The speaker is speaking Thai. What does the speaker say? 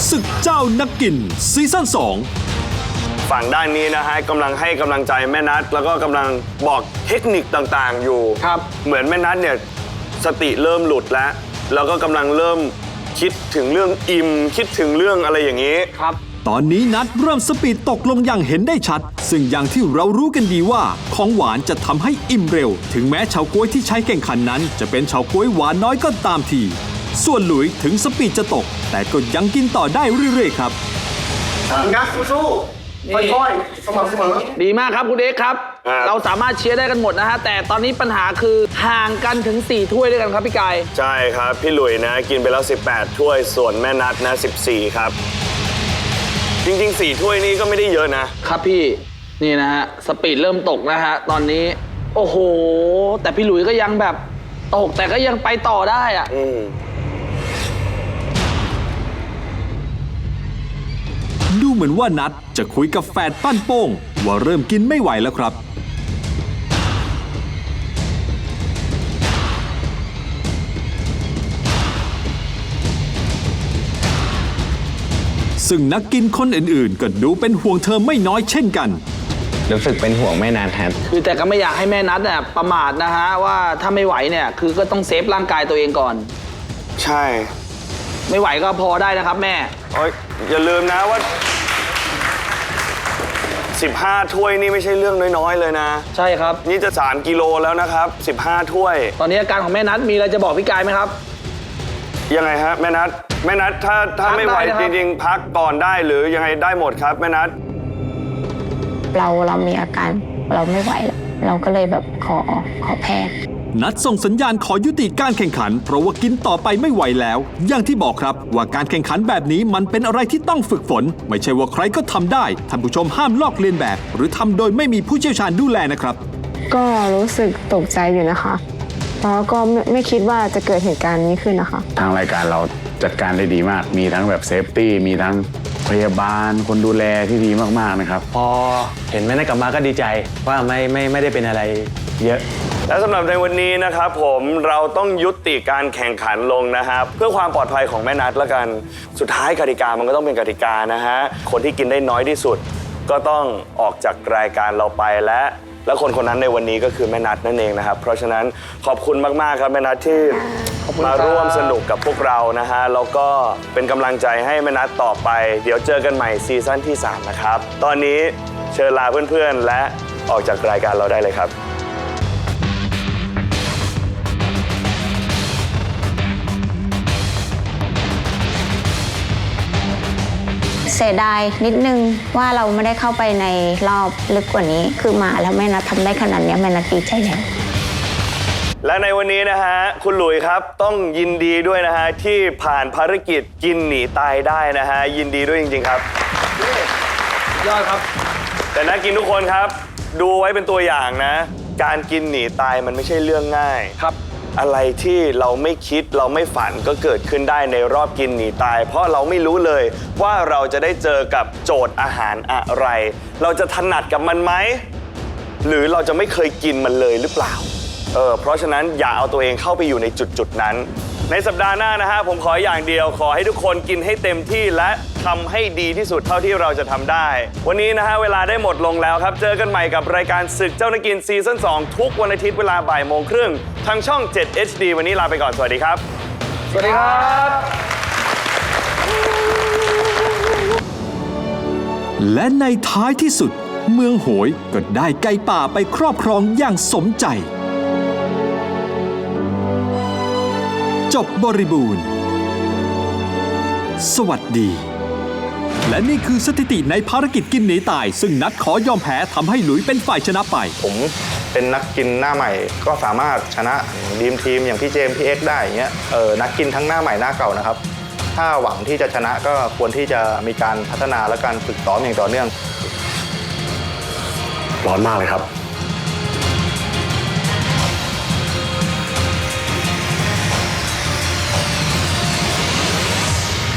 ศึกเจ้านักกินซีซั่น2 ฝั่งด้านนี้นะฮะกำลังให้กำลังใจแม่นัทแล้วก็กำลังบอกเทคนิคต่างๆอยู่ครับเหมือนแม่นัทเนี่ยสติเริ่มหลุดแล้วก็กำลังเริ่มคิดถึงเรื่องอิ่มคิดถึงเรื่องอะไรอย่างนี้ครับตอนนี้นัทเริ่มสปีดตกลงอย่างเห็นได้ชัดซึ่งอย่างที่เรารู้กันดีว่าของหวานจะทำให้อิ่มเร็วถึงแม้เฉาก๊วยที่ใช้แข่งขันนั้นจะเป็นเฉาก๊วยหวานน้อยก็ตามทีส่วนหลุยถึงสปีดจะตกแต่ก็ยังกินต่อได้เรื่อยๆครับงัดสู้ๆค่อยๆสม่ำเสมอดีมากครับคุณเอ็กซ์ครับเราสามารถเชียร์ได้กันหมดนะฮะแต่ตอนนี้ปัญหาคือห่างกันถึง4ถ้วยด้วยกันครับพี่กายใช่ครับพี่หลุยนะกินไปแล้ว18ถ้วยส่วนแม่นัทนะ14ครับจริงๆ4ถ้วยนี้ก็ไม่ได้เยอะนะครับพี่นี่นะฮะสปีดเริ่มตกนะฮะตอนนี้โอ้โหแต่พี่หลุยก็ยังแบบตกแต่ก็ยังไปต่อได้อะดูเหมือนว่านัทจะคุยกับแฟนปั้นโป้งว่าเริ่มกินไม่ไหวแล้วครับซึ่งนักกินคนอื่นๆก็ดูเป็นห่วงเธอไม่น้อยเช่นกันรู้สึกเป็นห่วงแม่นัทครับคือแต่ก็ไม่อยากให้แม่นัทเนี่ยประมาทนะฮะว่าถ้าไม่ไหวเนี่ยคือก็ต้องเซฟร่างกายตัวเองก่อนใช่ไม่ไหวก็พอได้นะครับแม่อย่าลืมนะว่า15ถ้วยนี่ไม่ใช่เรื่องน้อยๆเลยนะใช่ครับนี่จะ3กิโลแล้วนะครับ15ถ้วยตอนนี้อาการของแม่นัทมีอะไรจะบอกพี่กายไหมครับยังไงฮะแม่นัทถ้าไม่ไหวจริงๆพักก่อนได้หรือยังไงได้หมดครับแม่นัทเรามีอาการเราไม่ไหวแล้วเราก็เลยแบบขอแพทย์นัดส่งสัญญาณขอยุติการแข่งขันเพราะว่ากินต่อไปไม่ไหวแล้วอย่างที่บอกครับว่าการแข่งขันแบบนี้มันเป็นอะไรที่ต้องฝึกฝนไม่ใช่ว่าใครก็ทำได้ท่านผู้ชมห้ามลอกเลียนแบบหรือทำโดยไม่มีผู้เชี่ยวชาญดูแลนะครับก็รู้สึกตกใจอยู่นะคะเพราะก็ไม่คิดว่าจะเกิดเหตุการณ์นี้ขึ้นนะคะทางรายการเราจัดการได้ดีมากมีทั้งแบบเซฟตี้มีทั้งพยาบาลคนดูแลที่ดีมากๆนะครับพอเห็นแม่นัทกลับมาก็ดีใจว่าไม่ได้เป็นอะไรเยอะและสำหรับในวันนี้นะครับผมเราต้องยุติการแข่งขันลงนะครับเพื่อความปลอดภัยของแม่นัทละกันสุดท้ายกติกามันก็ต้องเป็นกติกานะฮะคนที่กินได้น้อยที่สุดก็ต้องออกจากรายการเราไปและคนนั้นในวันนี้ก็คือแม่นัทนั่นเองนะครับเพราะฉะนั้นขอบคุณมากๆครับแม่นัทที่มาร่วมสนุกกับพวกเรานะฮะแล้วก็เป็นกำลังใจให้แม่นัทต่อไปเดี๋ยวเจอกันใหม่ซีซั่นที่3นะครับตอนนี้เชิญลาเพื่อนๆและออกจากรายการเราได้เลยครับเสียดายนิดนึงว่าเราไม่ได้เข้าไปในรอบลึกกว่านี้คือมาแล้วแม่นัททำได้ขนาดนี้แม่นัทดีใจแล้วและในวันนี้นะฮะคุณหลุยครับต้องยินดีด้วยนะฮะที่ผ่านภารกิจกินหนีตายได้นะฮะยินดีด้วยจริงๆครับยอดครับแต่นักกินทุกคนครับดูไว้เป็นตัวอย่างนะการกินหนีตายมันไม่ใช่เรื่องง่ายครับอะไรที่เราไม่คิดเราไม่ฝันก็เกิดขึ้นได้ในรอบกินหนีตายเพราะเราไม่รู้เลยว่าเราจะได้เจอกับโจทย์อาหารอะไรเราจะถนัดกับมันไหมหรือเราจะไม่เคยกินมันเลยหรือเปล่าเพราะฉะนั้นอย่าเอาตัวเองเข้าไปอยู่ในจุดนั้นในสัปดาห์หน้านะฮะผมขออย่างเดียวขอให้ทุกคนกินให้เต็มที่และทำให้ดีที่สุดเท่าที่เราจะทำได้วันนี้นะฮะเวลาได้หมดลงแล้วครับเจอกันใหม่กับรายการศึกเจ้านักกินซีซั่น2ทุกวันอาทิตย์เวลาบ่ายโมงครึ่งทางช่อง 7 HD วันนี้ลาไปก่อนสวัสดีครับสวัสดีครับและในท้ายที่สุดเมืองโหยก็ได้ไก่ป่าไปครอบครองอย่างสมใจจบบริบูรณ์สวัสดีและนี่คือสถิติในภารกิจกินหนีตายซึ่งนัดขอยอมแพ้ทำให้หลุยเป็นฝ่ายชนะไปผมเป็นนักกินหน้าใหม่ก็สามารถชนะดีมทีมอย่างพี่เจมส์พี่เอ็กซ์ได้อย่างเงี้ยนักกินทั้งหน้าใหม่หน้าเก่านะครับถ้าหวังที่จะชนะก็ควรที่จะมีการพัฒนาและการฝึกซ้อมอย่างต่อเนื่องร้อนมากเลยครับ